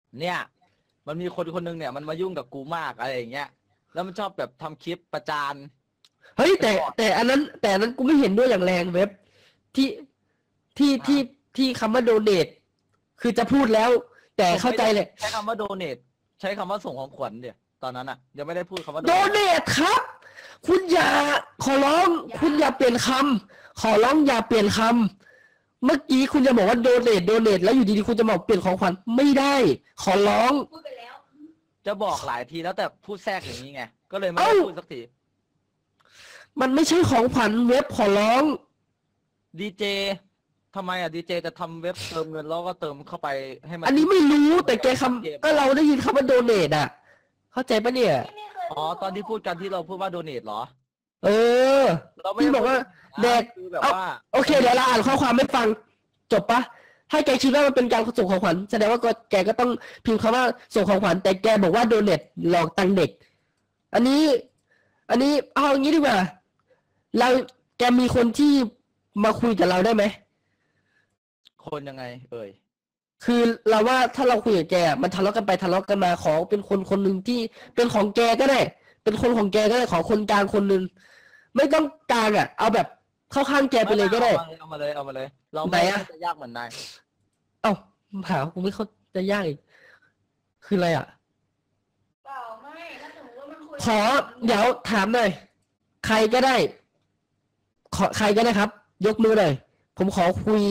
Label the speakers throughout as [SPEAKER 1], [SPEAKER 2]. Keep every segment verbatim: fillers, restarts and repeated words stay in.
[SPEAKER 1] เนี่ย มันมีคนคนนึงเนี่ยมันมายุ่งกับกูมากอะไรอย่างเงี้ยแล้วมันชอบแบบทำคลิปประจาน
[SPEAKER 2] เฮ้ยแต่แต่อันนั้น แต่อันนั้นกูไม่เห็นด้วยอย่างแรงเว็บที่ที่ที่ที่คำว่าโดเนทคือจะพูดแล้ว แต่เข้าใจเลย
[SPEAKER 1] ใช้คำว่าโดเนทใช้คำว่าส่งของขวัญเดี๋ยวตอนนั้นอ่ะยังไม่ได้พูดคำว่า
[SPEAKER 2] โดเนทครับ คุณอย่าขอร้อง คุณอย่าเปลี่ยนคำขอร้องอย่าเปลี่ยนคำเมื่อกี้คุณจะบอกว่าโดเนทโดเนทแล้วอยู่ดีๆคุณจะบอกเปลี่ยนของขวัญไม่ได้ ขอร้อง
[SPEAKER 3] พูดไปแล้ว
[SPEAKER 1] จะบอกหลายทีแล้วแต่พูดแทรกอย่างนี้ไงก็เลยไม่ได้พูดสักที
[SPEAKER 2] มันไม่ใช่ของขวัญเว็บขอร้อง
[SPEAKER 1] ดีเจทำไมอ่ะดีเจจะทำเว็บเติมเงินแล้วก็เติมเข้าไปให้มัน
[SPEAKER 2] อันนี้ไม่รู้แต่แกคำก็เราได้ยินคำว่าโดเนทอ่ะ เข้าใจปะเนี่ย
[SPEAKER 1] อ๋อตอนที่พูดกันที่เราพูดว่าโดเนทเหรอ
[SPEAKER 2] เออ
[SPEAKER 1] เราไม่
[SPEAKER 2] พี่
[SPEAKER 1] ได้
[SPEAKER 2] บอกว่า
[SPEAKER 1] พู
[SPEAKER 2] แดก
[SPEAKER 1] คือแบบ
[SPEAKER 2] เอา
[SPEAKER 1] ว่า
[SPEAKER 2] โอเคเดี๋ยวเราอ่านข้อความไม่ฟังจบปะถ้าแกคิดว่ามันเป็นการส่งของขวัญแสดงว่าก็แกก็ต้องพิมพ์คำว่าส่งของขวัญแต่แกบอกว่าโดเนทหลอกตังค์เด็ก อันนี้ อันนี้เอาอย่างนี้ดีกว่าเราแกมีคนที่มาคุยกับเราได้ไหม
[SPEAKER 1] คนยังไง เอ่ย
[SPEAKER 2] คือเราว่าถ้าเราคุยกับแกอะมันทะเลาะกันไปทะเลาะกันมาขอเป็นคนคนหนึ่งที่เป็นของแกก็ได้ เป็นคนของแกก็ได้ขอคนกลางคนหนึ่งไม่ต้องกลางอ่ะ เอาแบบเข้าข้างแกไปเลยก็ได้
[SPEAKER 1] เอามาเลยเอามาเลย เรา
[SPEAKER 2] ไหน
[SPEAKER 1] ไม่
[SPEAKER 2] อะ
[SPEAKER 1] จะยากเหมือนนาย
[SPEAKER 2] เอ้าหากูไม่เข้าใจยากอีกคืออะไรอ่ะ
[SPEAKER 3] เปล่าไม่ถ้าสมมติว่ามันคุย
[SPEAKER 2] ขอเดี๋ยวถามหน่อยใครก็ได้ ขอใครก็ได้ครับ ยกมือหน่อยผมขอคุย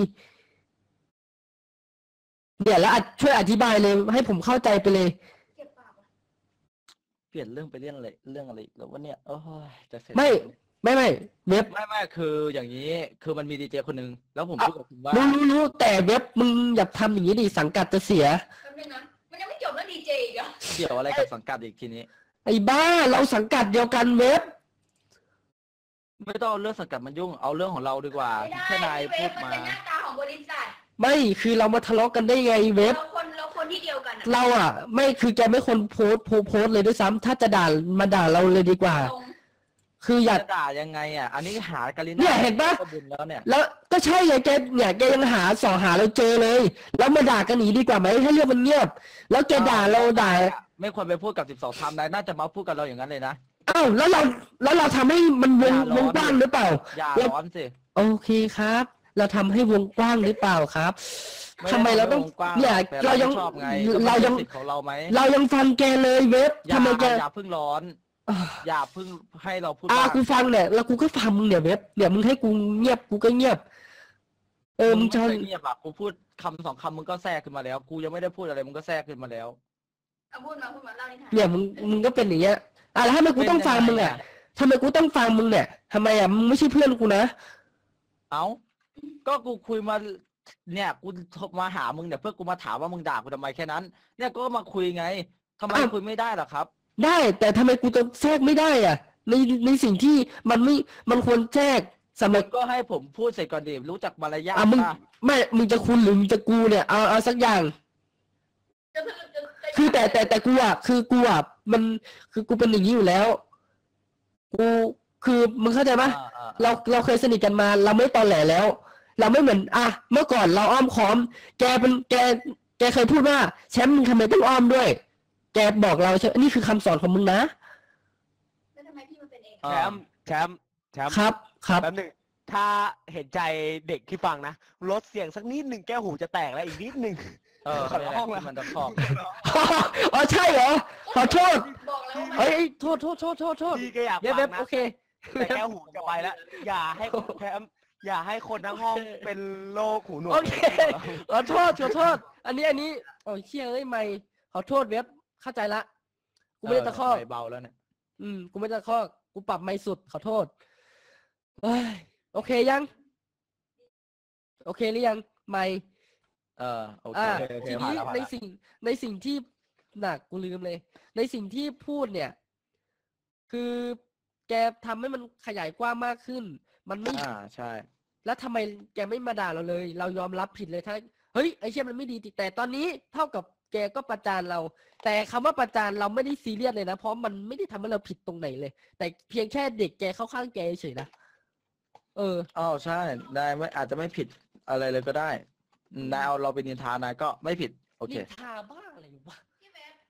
[SPEAKER 2] เดี๋ยวแล้วอ่ะช่วยอธิบายเลย ให้ผมเข้าใจไปเลย
[SPEAKER 3] เก็บปากอะ
[SPEAKER 1] เปลี่ยนเรื่องไปเรื่องอะไรเรื่องอะไรอีกแล้ววะเนี่ยโอ้ยจะเสร็จ
[SPEAKER 2] ไม่ไม่ไม่เว็บ
[SPEAKER 1] ไม่ไม่คืออย่างนี้ คือมันมีดีเจคนหนึ่งแล้วผมพูดกับคุณว่า
[SPEAKER 2] รู้รู้รู้แต่เว็บมึงอย่าทำอย่างนี้ดิสังกัดจะเสีย
[SPEAKER 3] แป๊บนึงนะมันยังไม่จบเรื่องดีเจอีกเหรอ
[SPEAKER 1] เกี่ยวอะไรกับสังกัดอีกทีนี้
[SPEAKER 2] ไอ้บ้าเราสังกัดเดียวกันเว็บ
[SPEAKER 1] ไม่ต้องเอาเรื่องสังกัดมันยุ่งเอาเรื่องของเราดีกว่า
[SPEAKER 3] ไม่ได้
[SPEAKER 1] แค่นาย
[SPEAKER 3] พี่เว
[SPEAKER 1] พู
[SPEAKER 3] ฟ
[SPEAKER 1] ด
[SPEAKER 3] มัน
[SPEAKER 1] มา
[SPEAKER 3] เป็นหน้าตาของบริษัท
[SPEAKER 2] ไม่คือเรามาทะเลาะกันได้ไงเว็บ
[SPEAKER 3] เราคนเราคนที่เดียวกันอะ
[SPEAKER 2] เราอ่ะ ไม่คือแกไม่คนโพสต์โพสต์โพสต์เลยด้วยซ้ำถ้าจะด่ามาด่าเราเลยดีกว่า
[SPEAKER 3] ตรง
[SPEAKER 2] คืออยาก
[SPEAKER 1] จะด่ายังไงอ่ะ อันนี้หาการิน่า
[SPEAKER 2] เนี่ยเห็นปะ
[SPEAKER 1] ก็บุญแล้วเนี่ย
[SPEAKER 2] แล้วก็ใช่ไงแกเนี่ยแกยังหาสอหาเราเจอเลย แล้วมาด่ากันหนีดีกว่าไหมให้เรื่องมันเงียบ แล้วแกด่าเราด่า
[SPEAKER 1] ไม่ควรไปพูดกับสิบสองทำนายน่าจะมาพูดกับเราอย่างนั้นเลยนะ
[SPEAKER 2] อ้าวแล้วเราแล้วเราทำให้มันวง
[SPEAKER 1] อย่าร้
[SPEAKER 2] ว
[SPEAKER 1] อน
[SPEAKER 2] งกว้างหรือเปล่า
[SPEAKER 1] อย่า
[SPEAKER 2] เรา
[SPEAKER 1] ร้อนสิ
[SPEAKER 2] โอเคครับ เราทำให้วงกว้างหรือเปล่าครับ
[SPEAKER 1] ไม่ได้
[SPEAKER 2] ทำไมเราต้อง
[SPEAKER 1] วกว้
[SPEAKER 2] เนี่ย
[SPEAKER 1] แต่
[SPEAKER 2] เรายัง
[SPEAKER 1] ชอบไง
[SPEAKER 2] เรายัง
[SPEAKER 1] ก็ป็นสิทธิ์ของเราไหม
[SPEAKER 2] เรายังฟังแกเลยเว็บ
[SPEAKER 1] อย่า
[SPEAKER 2] ทำไมแก
[SPEAKER 1] อย่าเพิ่งร้อน
[SPEAKER 2] อ่า
[SPEAKER 1] อย่าเพิ่งให้เราพูด
[SPEAKER 2] อ่า
[SPEAKER 1] บ้าง
[SPEAKER 2] กูฟังเนี่ยแล้วกูก็ฟังมึงเนี่ยเว็บเนี่ยมึงให้กูเงียบกูก็เงียบ เออมึง
[SPEAKER 1] ไ
[SPEAKER 2] จะ
[SPEAKER 1] เคยเงียบอ่ะกูพูดคำสองคำมึงก็แทรกขึ้นมาแล้ว กูยังไม่ได้พูดอะไรมึงก็แทรกขึ้นมาแล้ว
[SPEAKER 3] เอาพูดมาพูดมาเล่านิทาน
[SPEAKER 2] เนี่ยมึงมึงก็เป็นอย่างเงี้ยอ่ะแล้วทำไมกูต้องฟังมึงอ่ะทำไมกูต้องฟังมึงเนี่ยทำไมอ่ะมึงไม่ใช่เพื่อนกูนะ
[SPEAKER 1] เอ้าก็กูคุยมาเนี่ยกูโทรมาหามึงเนี่ยเพื่อกูมาถามว่ามึงด่ากูทำไมแค่นั้น เนี่ยก็มาคุยไงทำไม
[SPEAKER 2] อ้าว
[SPEAKER 1] คุยไม่ได้ล่ะครับ
[SPEAKER 2] ได้แต่ทำไมกูจะแทรกไม่ได้อ่ะ ในในสิ่งที่มันไม่มันควรแทรกสำหรับ
[SPEAKER 1] ก็ให้ผมพูดเสร็จก่อนดิรู้จักมารยาท
[SPEAKER 2] อ่ะมึง
[SPEAKER 1] ป่ะ
[SPEAKER 2] ไม่มึงจะคุณหรือมึงจะกูเนี่ยเอาเอาสักอย่าง
[SPEAKER 3] จะจะจะจะ
[SPEAKER 2] คือแต่แต่แต่กูอ่ะคือกูอ่ะมันคือกูเป็นอย่างนี้อยู่แล้ว กูคือมึงเข้าใจปะ
[SPEAKER 1] อ่าอ่า
[SPEAKER 2] เราเราเคยสนิทกันมา เราไม่ตอแหลแล้ว เราไม่เหมือนอ่ะเมื่อก่อนเราอ้อมค้อม แกเป็นแกแกเคยพูดว่าแชมป์มึงทำไมต้องอ้อมด้วย แกบอกเราใช่นี่คือคำสอนของมึงนะ
[SPEAKER 3] แล้วทำไมพี่มาเป็นเอง
[SPEAKER 1] เอ
[SPEAKER 4] แช
[SPEAKER 1] อ
[SPEAKER 4] มป์แชมป์แชมป์
[SPEAKER 2] ครับครับ
[SPEAKER 4] แป๊บหนึงถ้าเห็นใจเด็กที่ฟังนะลดเสียงสักนิดหนึ่งแก้วหูจะแตกแล้วอีกนิดหนึ่ง
[SPEAKER 1] เออ
[SPEAKER 4] ขอ
[SPEAKER 1] ไม่
[SPEAKER 4] ร้
[SPEAKER 1] ได้
[SPEAKER 4] องละ
[SPEAKER 1] มันจะครอบ
[SPEAKER 2] อ๋อใช่เหรอขอโทษ
[SPEAKER 3] บอกแล้วว่ามัน
[SPEAKER 2] เอ้ยโทษโทษโทษโทษโทษ
[SPEAKER 4] พี่ก็อยาก
[SPEAKER 2] เว็บ
[SPEAKER 4] ฟั
[SPEAKER 2] เว็
[SPEAKER 4] ง
[SPEAKER 2] บ
[SPEAKER 4] นะ
[SPEAKER 2] โอเค
[SPEAKER 4] แต่แก้วหูจะไปแล้ว อย่าให้แชมป์อย่าให้คนทั้งห้องเป็นโรคหูหนวก
[SPEAKER 2] โอเคขอโทษขอโทษ อันนี้อันนี้โอ้ยเชี่ยเอ้ยไม่ขอโทษเว็บเข้าใจละกูไม่ได้ตะคอก
[SPEAKER 1] เเบาแล้วเนี่ย
[SPEAKER 2] อืมกูไม่ตะคอกกูปรับไม่สุดขอโทษเอ้ยโอเคยัง โอเคหรือยังไม่
[SPEAKER 1] เออโอเค
[SPEAKER 2] อ่า
[SPEAKER 4] โอเค
[SPEAKER 2] ที
[SPEAKER 4] ผ่าน
[SPEAKER 2] นี้
[SPEAKER 4] แล้วผ่าน
[SPEAKER 2] ใน
[SPEAKER 4] แล้ว
[SPEAKER 2] สิ่งในสิ่งที่หนักกูลืมเลย ในสิ่งที่พูดเนี่ย คือแกทำให้มันขยายกว้างมากขึ้น มันไม่
[SPEAKER 1] อ่าใช่
[SPEAKER 2] แล้วทำไมแกไม่มาด่าเราเลย เรายอมรับผิดเลยถ้าเฮ้ยไอ้เชี่ยมันไม่ดีแต่ตอนนี้เท่ากับแกก็ประจานเรา แต่คำว่าประจานเราไม่ได้ซีเรียสเลยนะเพราะมันไม่ได้ทำให้เราผิดตรงไหนเลย แต่เพียงแค่เด็กแกเข้าข้างแกเฉยนะเออ
[SPEAKER 1] อ้าวใช่นายไม่อาจจะไม่ผิดอะไรเลยก็ได้นายเอาเราเป็นนินทานายก็ไม่ผิดโอเค
[SPEAKER 2] นินทาบ้าอะไรวะ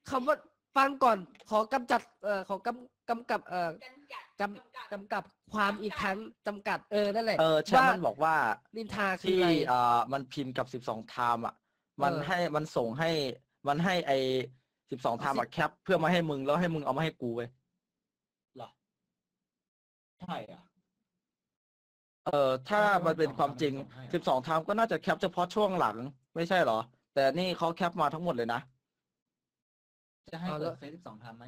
[SPEAKER 2] คำว่าฟังก่อน ขอกำจัดเอ่อขอกำกำกับเอ่อ
[SPEAKER 3] กันกัด
[SPEAKER 2] กำกำกับความอีกครั้งจำกัดเออนั่นแหละ
[SPEAKER 1] เออแชมป์มันบอกว่า
[SPEAKER 2] นินทาคือ
[SPEAKER 1] ที่
[SPEAKER 2] อะไร
[SPEAKER 1] เอ่อมันพิมพ์กับสิบสองไทม์อ่ะ มัน
[SPEAKER 2] เออ
[SPEAKER 1] ให้มันส่งให้มันให้ไอสิบสองไทม์อ่ะแคปเพื่อมาให้มึงแล้วให้มึงเอามาให้กูเว้ย
[SPEAKER 5] เหรอใช่อ่ะ
[SPEAKER 1] เออถ้ามันเป็นความจริงสิบสองไทม์ก็น่าจะแคปเฉพาะช่วงหลัง ไม่ใช่เหรอ แต่นี่เขาแคปมาทั้งหมดเลยนะ
[SPEAKER 5] จะให้
[SPEAKER 2] เอาแล้
[SPEAKER 5] เปิ
[SPEAKER 2] ว
[SPEAKER 5] ดเฟซสิบสองทำไหม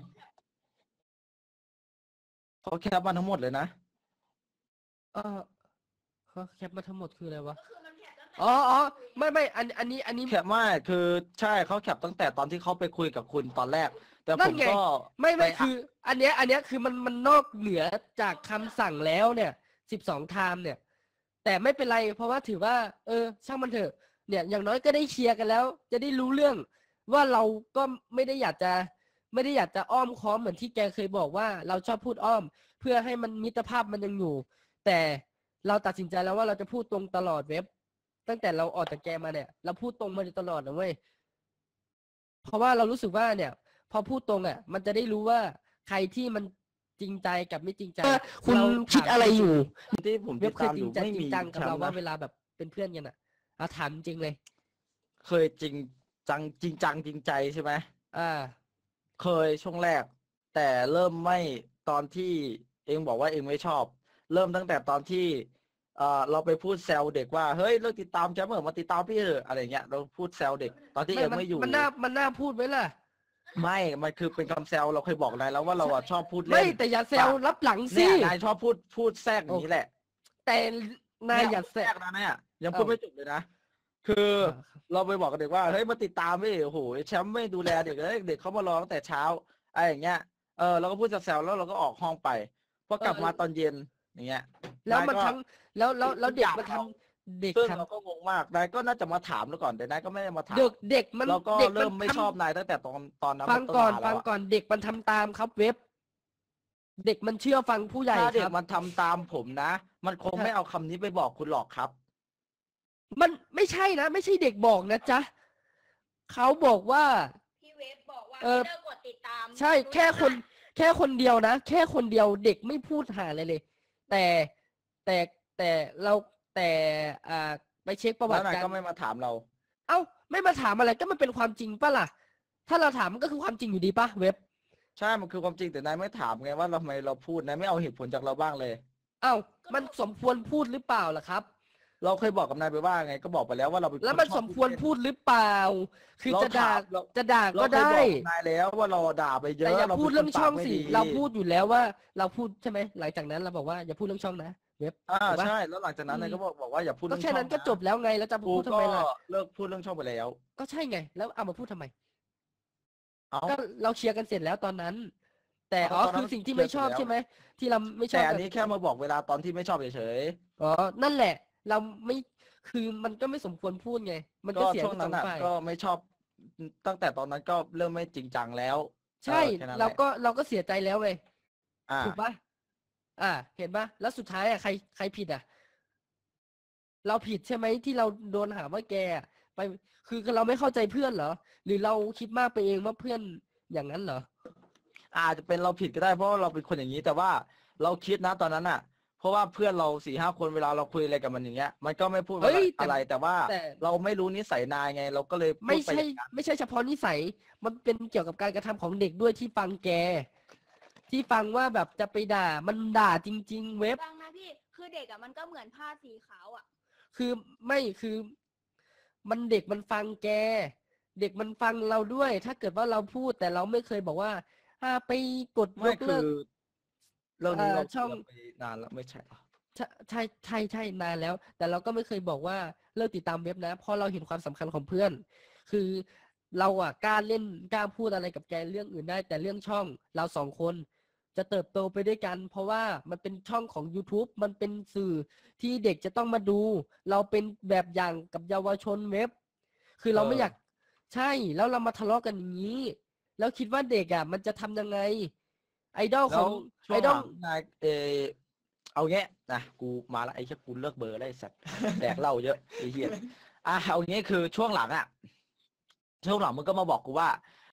[SPEAKER 1] เขาแคปมาทั้งหมดเลยนะ
[SPEAKER 2] เออเขาแคปมาทั้งหมดคืออะไรวะ
[SPEAKER 3] ก็คือมันแคปตั้งแต่
[SPEAKER 2] อ๋ออ๋อไม่ไม่อันอันนี้อันนี้
[SPEAKER 1] แคปไม่คือใช่เขาแคปตั้งแต่ตอนที่เขาไปคุยกับคุณตอนแรก แต่
[SPEAKER 2] นั่
[SPEAKER 1] ผ
[SPEAKER 2] น
[SPEAKER 1] ม
[SPEAKER 2] ไง
[SPEAKER 1] ก็
[SPEAKER 2] ไม่ไม่
[SPEAKER 1] ป
[SPEAKER 2] คือ อันเนี้ยอันเนี้ยคือมันมันนอกเหนือจากคำสั่งแล้วเนี่ยสิบสองไทม์เนี่ย แต่ไม่เป็นไร เพราะว่าถือว่า เออ ช่างมันเถอะ เนี่ย อย่างน้อยก็ได้เคลียร์กันแล้ว จะได้รู้เรื่อง ว่าเราก็ไม่ได้อยากจะ ไม่ได้อยากจะอ้อมค้อมเหมือนที่แกเคยบอกว่าเราชอบพูดอ้อม เพื่อให้มันมิตรภาพมันยังอยู่ แต่เราตัดสินใจแล้วว่าเราจะพูดตรงตลอดเว็บ ตั้งแต่เราออกจากแกมาเนี่ย เราพูดตรงมาโดยตลอดนะเว้ย เพราะว่าเรารู้สึกว่าเนี่ย พอพูดตรงอ่ะ มันจะได้รู้ว่าใครที่มันจริงใจกับไม่จริงใจคุณเราคิดอะไรอยู่
[SPEAKER 1] ที่ผม
[SPEAKER 2] เว็
[SPEAKER 1] ติ
[SPEAKER 2] บ
[SPEAKER 1] ด
[SPEAKER 2] เคย
[SPEAKER 1] ตาม
[SPEAKER 2] จ
[SPEAKER 1] อ
[SPEAKER 2] ริง
[SPEAKER 1] ยู่
[SPEAKER 2] จัง
[SPEAKER 1] ไม่
[SPEAKER 2] จริ
[SPEAKER 1] มี
[SPEAKER 2] งจังกับ
[SPEAKER 1] แชม
[SPEAKER 2] เรา
[SPEAKER 1] ป์
[SPEAKER 2] ว่า
[SPEAKER 1] นะ
[SPEAKER 2] เวลาแบบเป็นเพื่อนกันอ่ะเอาถามจริงเลย
[SPEAKER 1] เคยจริงจังจริงจังจริงใจใช่ไหม
[SPEAKER 2] อ่า
[SPEAKER 1] เคยช่วงแรก แต่เริ่มไม่ตอนที่เองบอกว่าเองไม่ชอบ เริ่มตั้งแต่ตอนที่เอ่อเราไปพูดแซวเด็กว่าเฮ้ยเลิกติดตามแชมป์เถอะมาติดตามพี่เถอะอะไรเงี้ยเราพูดแซวเด็ก ตอนที่
[SPEAKER 2] ไม่
[SPEAKER 1] เอง
[SPEAKER 2] มัน
[SPEAKER 1] ไม่อยู่
[SPEAKER 2] มันน่ามันน่าพูดไว้ล่ะ
[SPEAKER 1] ไม่ มันคือเป็นคำแซวเราเคยบอกนายแล้วว่าเราอะชอบพูด
[SPEAKER 2] ไม่
[SPEAKER 1] เล่น
[SPEAKER 2] แต่อย่าแซวรับหลังสิ
[SPEAKER 1] เนี่ยนายชอบพูดพูดแทรกอย่างนี้แหละ
[SPEAKER 2] แต่นายอย่าแซ
[SPEAKER 1] แทร
[SPEAKER 2] ว
[SPEAKER 1] กนะเนี่ยยังพูด
[SPEAKER 2] เอ้า
[SPEAKER 1] ไม่จบเลยนะ คือเราไปบอกกับเด็กว่าเฮ้ยมาติดตามพี่โอ้โหแชมป์ไม่ดูแลเด็กเลยเด็กเขามารอตั้งแต่เช้าอะไรอย่างเงี้ยเออเราก็พูดแซวๆแล้วเราก็ออกห้องไปพอกลับมาตอนเย็นอย่างเงี้ย
[SPEAKER 2] แล้วมัน
[SPEAKER 1] นายก็
[SPEAKER 2] ทั้งแล้วแล้วแล้วเด็ก
[SPEAKER 1] ทุกอย่าง
[SPEAKER 2] มันทำเด็ก
[SPEAKER 1] ซึ่ง
[SPEAKER 2] ทำ
[SPEAKER 1] เราก็งงมากนายก็น่าจะมาถามแล้วก่อนแต่นายก็ไม่ได้มาถาม
[SPEAKER 2] เด็กเด็กมัน
[SPEAKER 1] เราก็
[SPEAKER 2] เด็ก
[SPEAKER 1] เริ่ม
[SPEAKER 2] น
[SPEAKER 1] ไม่
[SPEAKER 2] ทำ
[SPEAKER 1] ชอบนายตั้งแต่ตอนตอนนั้น
[SPEAKER 2] ฟังก่อน
[SPEAKER 1] เป็
[SPEAKER 2] ฟั
[SPEAKER 1] มาง แล้วอะ
[SPEAKER 2] ก่อนเด็กมันทำตามครับเว็บ เด็กมันเชื่อฟังผู้ใหญ่
[SPEAKER 1] ถ้าเด็
[SPEAKER 2] ค
[SPEAKER 1] ก
[SPEAKER 2] รับ
[SPEAKER 1] มันทำตามผมนะ มันคง
[SPEAKER 2] ใช่
[SPEAKER 1] ไม่เอาคำนี้ไปบอกคุณหรอกครับ
[SPEAKER 2] มันไม่ใช่นะ ไม่ใช่เด็กบอกนะจ๊ะเขาบอกว่า
[SPEAKER 3] พี่เวฟบอกว่า
[SPEAKER 2] เออ
[SPEAKER 3] ให้เลิกกดติดตาม
[SPEAKER 2] ใช่แค่คนแค่คนเดียวนะ แค่คนเดียวเด็กไม่พูดหาอะไรเลย แต่แต่แต่เราแต่อ่าไปเช็คประวั
[SPEAKER 1] แล้ว
[SPEAKER 2] ติ
[SPEAKER 1] นาย
[SPEAKER 2] การ
[SPEAKER 1] ก็ไม่มาถามเรา
[SPEAKER 2] เอ้าไม่มาถามอะไรก็มันเป็นความจริงปะล่ะ ถ้าเราถามมันก็คือความจริงอยู่ดีปะเว็บ
[SPEAKER 1] ใช่ มันคือความจริงแต่นายไม่ถามไงว่าทำไมเราพูดนายไม่เอาเหตุผลจากเราบ้างเลย
[SPEAKER 2] เอ้ามันสมควรพูดหรือเปล่าล่ะครับ
[SPEAKER 1] เราเคยบอกกับนายไปว่าไงก็บอกไปแล้วว่าเราเป็น
[SPEAKER 2] แล้ว
[SPEAKER 1] ค
[SPEAKER 2] มัน
[SPEAKER 1] ชอบ
[SPEAKER 2] สมควรพูดหรือเปล่า คือ
[SPEAKER 1] เรา
[SPEAKER 2] จะด่า
[SPEAKER 1] ถามเรา
[SPEAKER 2] จะด่า
[SPEAKER 1] เรา
[SPEAKER 2] ก็
[SPEAKER 1] เคย
[SPEAKER 2] ได้
[SPEAKER 1] บอกกับนายแล้วว่าเราด่าไปเย
[SPEAKER 2] แต่
[SPEAKER 1] อะ
[SPEAKER 2] อย่า
[SPEAKER 1] เรา
[SPEAKER 2] พูด
[SPEAKER 1] ป็น
[SPEAKER 2] เรื่อง
[SPEAKER 1] คน
[SPEAKER 2] ช่อง
[SPEAKER 1] ปากไม่
[SPEAKER 2] สิ
[SPEAKER 1] ดี
[SPEAKER 2] เราพูดอยู่แล้วว่า เราพูดใช่ไหมหลังจากนั้นเราบอกว่าอย่าพูดเรื่องช่องนะเว็บ
[SPEAKER 1] อ่า
[SPEAKER 2] ถูกปะ
[SPEAKER 1] ใช่แล้วหลังจากนั้นนายก็บอกบอกว่าอย่าพูด
[SPEAKER 2] ก็
[SPEAKER 1] เรื่อง
[SPEAKER 2] แค่นั้น
[SPEAKER 1] ช่
[SPEAKER 2] ก็
[SPEAKER 1] องะ
[SPEAKER 2] จบแล้วไงแล้วจะ
[SPEAKER 1] กู
[SPEAKER 2] พูดทำ
[SPEAKER 1] ก็
[SPEAKER 2] ไมล่ะ
[SPEAKER 1] เลิกพูดเรื่องช่องไปแล้ว
[SPEAKER 2] ก็ใช่ไง แล้วเอามาพูดทำไม
[SPEAKER 1] เอ้า
[SPEAKER 2] ก็เราเคลียร์กันเสร็จแล้วตอนนั้น แต่
[SPEAKER 1] เอา
[SPEAKER 2] อ๋อ
[SPEAKER 1] ตอนนั้น
[SPEAKER 2] คือสิ่งที่
[SPEAKER 1] เคลียร์
[SPEAKER 2] ไม่ชอบ
[SPEAKER 1] เสร็จแล้ว
[SPEAKER 2] ใช่ไหมที่เราไม่ชอ
[SPEAKER 1] แต่
[SPEAKER 2] บ
[SPEAKER 1] อัน
[SPEAKER 2] กัน
[SPEAKER 1] นี้แค่มาบอกเวลาตอนที่ไม่ชอบเฉย
[SPEAKER 2] อ๋อนั่นแหละ เราไม่คือมันก็ไม่สมควรพูดไง มัน
[SPEAKER 1] ๆ
[SPEAKER 2] ก็
[SPEAKER 1] ก็
[SPEAKER 2] เสีย
[SPEAKER 1] ช่วง
[SPEAKER 2] ทั้งส
[SPEAKER 1] นั้
[SPEAKER 2] อน ง
[SPEAKER 1] อ่ะ
[SPEAKER 2] ฝ่าย
[SPEAKER 1] ก็ไม่ชอบ ตั้งแต่ตอนนั้นก็เริ่มไม่จริงจังแล้ว
[SPEAKER 2] ใช่
[SPEAKER 1] ออแค่นั้นแห
[SPEAKER 2] เรา
[SPEAKER 1] ละ
[SPEAKER 2] ก็เราก็เสียใจแล้วเว้ย
[SPEAKER 1] อ่า
[SPEAKER 2] ถูกปะอ่า เห็นปะแล้วสุดท้ายอ่ะใครใครผิดอ่ะ เราผิดใช่ไหมที่เราโดนหาว่าแกอะไปคือเราไม่เข้าใจเพื่อนเหรอ หรือเราคิดมากไปเองว่าเพื่อนอย่างนั้นเหรอ
[SPEAKER 1] อาจจะเป็นเราผิดก็ได้เพราะว่าเราเป็นคนอย่างนี้ แต่ว่าเราคิดนะตอนนั้นอ่ะ เพราะว่าเพื่อนเราสี่ห้าคนเวลาเราคุยอะไรกับมันอย่างเงี้ย มันก็ไม่พูด
[SPEAKER 2] เฮ้ยแต่
[SPEAKER 1] อะไร แต่ว่า
[SPEAKER 2] แต่
[SPEAKER 1] เราไม่รู้นิสัยนายไง เราก็เลยพูด
[SPEAKER 2] ไม่
[SPEAKER 1] ป
[SPEAKER 2] ใช่
[SPEAKER 1] อย่างนั้น
[SPEAKER 2] ไม่ใช่เฉพาะนิสัย มันเป็นเกี่ยวกับการกระทำของเด็กด้วยที่ฟังแก ที่ฟังว่าแบบจะไปด่า มันด่าจริง ๆ เว็บ
[SPEAKER 3] ฟังนะพี่ คือเด็กอ่ะมันก็เหมือนผ้าสีขาวอ่ะ
[SPEAKER 2] คือไม่คือ มันเด็กมันฟังแก เด็กมันฟังเราด้วย ถ้าเกิดว่าเราพูดแต่เราไม่เคยบอกว่าอ่าไปกดย
[SPEAKER 1] ไม่
[SPEAKER 2] ก
[SPEAKER 1] คื
[SPEAKER 2] เลิ
[SPEAKER 1] อก เรื่องนี้
[SPEAKER 2] เอ่อ
[SPEAKER 1] เรา
[SPEAKER 2] ช่อง
[SPEAKER 1] เราไปนานแล้วไม่ใช่เหรอ
[SPEAKER 2] ใช่ใช่ใช่ใช่นานแล้ว แต่เราก็ไม่เคยบอกว่าเลิกติดตามเว็บนะเพราะเราเห็นความสำคัญของเพื่อน คือเราอ่ะกล้าเล่นกล้าพูดอะไรกับแกเรื่องอื่นได้ แต่เรื่องช่องเราสองคนจะเติบโตไปด้วยกัน เพราะว่ามันเป็นช่องของ YouTube มันเป็นสื่อที่เด็กจะต้องมาดู เราเป็นแบบอย่างกับเยาวชนเว็บ คือเราไม่อยากใช่แล้วเรามาทะเลาะกันอย่างนี้ แล้วคิดว่าเด็กอ่ะ มันจะทำยังไง ไอดอลข
[SPEAKER 1] แล้
[SPEAKER 2] อ
[SPEAKER 1] ว
[SPEAKER 2] ง
[SPEAKER 1] ช่
[SPEAKER 2] ไอ
[SPEAKER 1] วง
[SPEAKER 2] ด
[SPEAKER 1] ห
[SPEAKER 2] อ
[SPEAKER 1] ลั
[SPEAKER 2] ล
[SPEAKER 1] งนายเออเอาเงี้ยนะกูมาละไอ้แค่กูเลิกเบอร์ได้สัตว์ แดกเหล้าเยอะไอ้เหี้ยอ่ะเอางี้คือช่วงหลังอ่ะช่วงหลังมึงก็มาบอกกูว่า